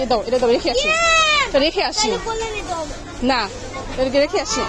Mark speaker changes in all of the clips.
Speaker 1: দাও, এটা দাও, রেখে আসি। তো রেখে আসি না, এটাকে রেখে আসি।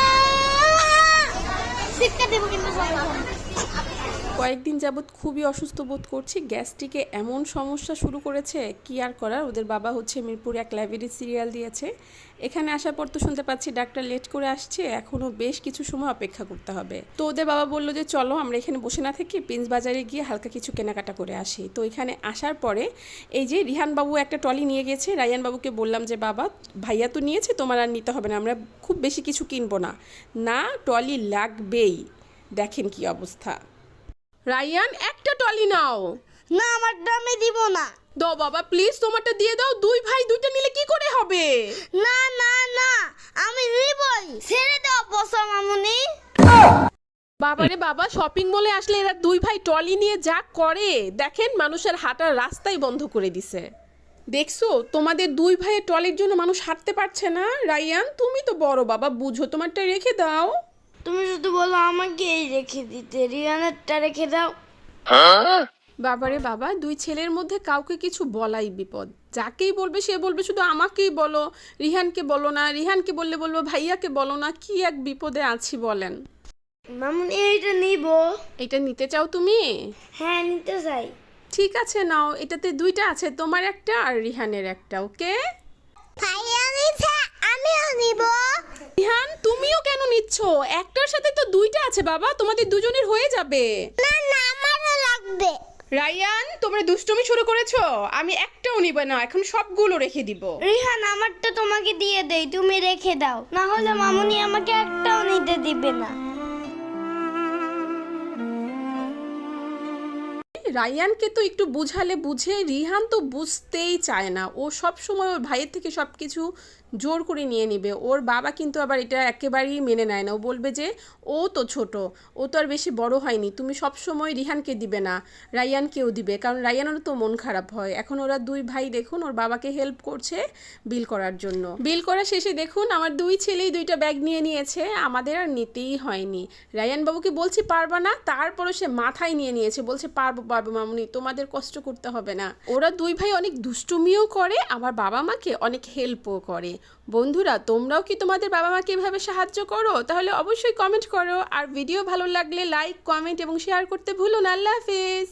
Speaker 1: কয়েকদিন যাবৎ খুবই অসুস্থ বোধ করছি, গ্যাস্ট্রিকে এমন সমস্যা শুরু করেছে, কি আর করার। ওদের বাবা হচ্ছে মিরপুর এক লাইব্রেরি সিরিয়াল দিয়েছে, এখানে আসার পর তো শুনতে পাচ্ছি ডাক্তার লেট করে আসছে, এখনও বেশ কিছু সময় অপেক্ষা করতে হবে। তো ওদের বাবা বললো যে চলো আমরা এখানে বসে না থেকে প্রিন্স বাজারে গিয়ে হালকা কিছু কেনাকাটা করে আসি। তো এখানে আসার পরে এই যে রিহান বাবু একটা ট্রলি নিয়ে গেছে, রায়ান বাবুকে বললাম যে বাবা ভাইয়া তো নিয়েছে, তোমার আর নিতে হবে না, আমরা খুব বেশি কিছু কিনবো না। না, ট্রলি লাগবেই। দেখেন কি অবস্থা। রায়ান একটা টলি নাও।
Speaker 2: না, আমার দামে দিব না।
Speaker 1: দাও বাবা প্লিজ, তোমারটা দিয়ে দাও। দুই ভাই দুইটা নিলে কি করে হবে?
Speaker 2: না না না, আমি নিবই। ছেড়ে দাও বসো মামুনি।
Speaker 1: বাবারে বাবা, শপিং মলে আসলে এরা দুই ভাই টলি নিয়ে যা করে, দেখেন মানুষের হাঁটার রাস্তাই বন্ধ করে দিছে। দেখছো তোমাদের দুই ভাইয়ের টলির জন্য মানুষ হাঁটতে পারছে না। রায়ান তুমি তো বড় বাবা, বুঝো, তোমারটা রেখে দাও।
Speaker 2: তুমি শুধু বলো আমাকে এই রেখে দিতে, রিয়ানেরটা রেখে দাও।
Speaker 1: বাবারে বাবা, দুই ছেলের মধ্যে কাউকে কিছু বলাই বিপদ। যাকেই বলবে সে বলবে শুধু আমাকেই বলো, রিহানকে বলো না, রিহানকে বললে বলবো ভাইয়াকে বলো না। কি এক বিপদে আছি বলেন।
Speaker 2: মামুনি এইটা নিব।
Speaker 1: এটা নিতে চাও তুমি?
Speaker 2: হ্যাঁ নিতে চাই।
Speaker 1: ঠিক আছে নাও, এটাতে দুইটা আছে, তোমার একটা আর রিহানের একটা। ওকে
Speaker 2: ভাইয়া নিছে, আমিও নিব।
Speaker 1: রিহান তুমিও কেন নিচ্ছ? একটার সাথে তো দুইটা আছে বাবা, তোমাদের দুজনের হয়ে যাবে।
Speaker 2: না না, আমারও লাগবে।
Speaker 1: রায়ান তোমরা দুষ্টুমি শুরু করেছো, আমি একটাও নিব না, এখন সবগুলো রেখে দিব।
Speaker 2: রিহান আমারটা তোমাকে দিয়ে দেই, তুমি রেখে দাও, না হলে মামুনি আমাকে একটাও নিতে দিবে না।
Speaker 1: রায়ানকে তো একটু বুঝালে বুঝে, রিহান তো বুঝতেই চায় না। ও সব সময় ওর ভাইয়ের থেকে সব কিছু জোর করে নিয়ে নিবে। ওর বাবা কিন্তু আবার এটা একেবারেই মেনে নেয় না। ও বলবে যে ও তো ছোট, ও তো আর বেশি বড় হয়নি, তুমি সব সময় রিহানকে দিবে না, রায়ানকেও দিবে, কারণ রায়ানেরও তো মন খারাপ হয়। এখন ওরা দুই ভাই দেখুন ওর বাবাকে হেল্প করছে বিল করার জন্য। বিল করা শেষে দেখুন আমার দুই ছেলেই দুইটা ব্যাগ নিয়ে নিয়েছে, আমাদের আর নিতেই হয়নি। রায়ান বাবুকে বলছি পারবা না, তারপরও সে মাথায় নিয়ে নিয়েছে, বলছে পারবো পারবো মামুনি, তোমাদের কষ্ট করতে হবে না। ওরা দুই ভাই অনেক দুষ্টুমিও করে, আবার বাবা মাকে অনেক হেল্পও করে। বন্ধুরা তোমরাও কি তোমাদের বাবা মাকে এভাবে সাহায্য করো? তাহলে অবশ্যই কমেন্ট করো, আর ভিডিও ভালো লাগলে লাইক, কমেন্ট এবং শেয়ার করতে ভুলো না। আল্লাহ হাফেজ।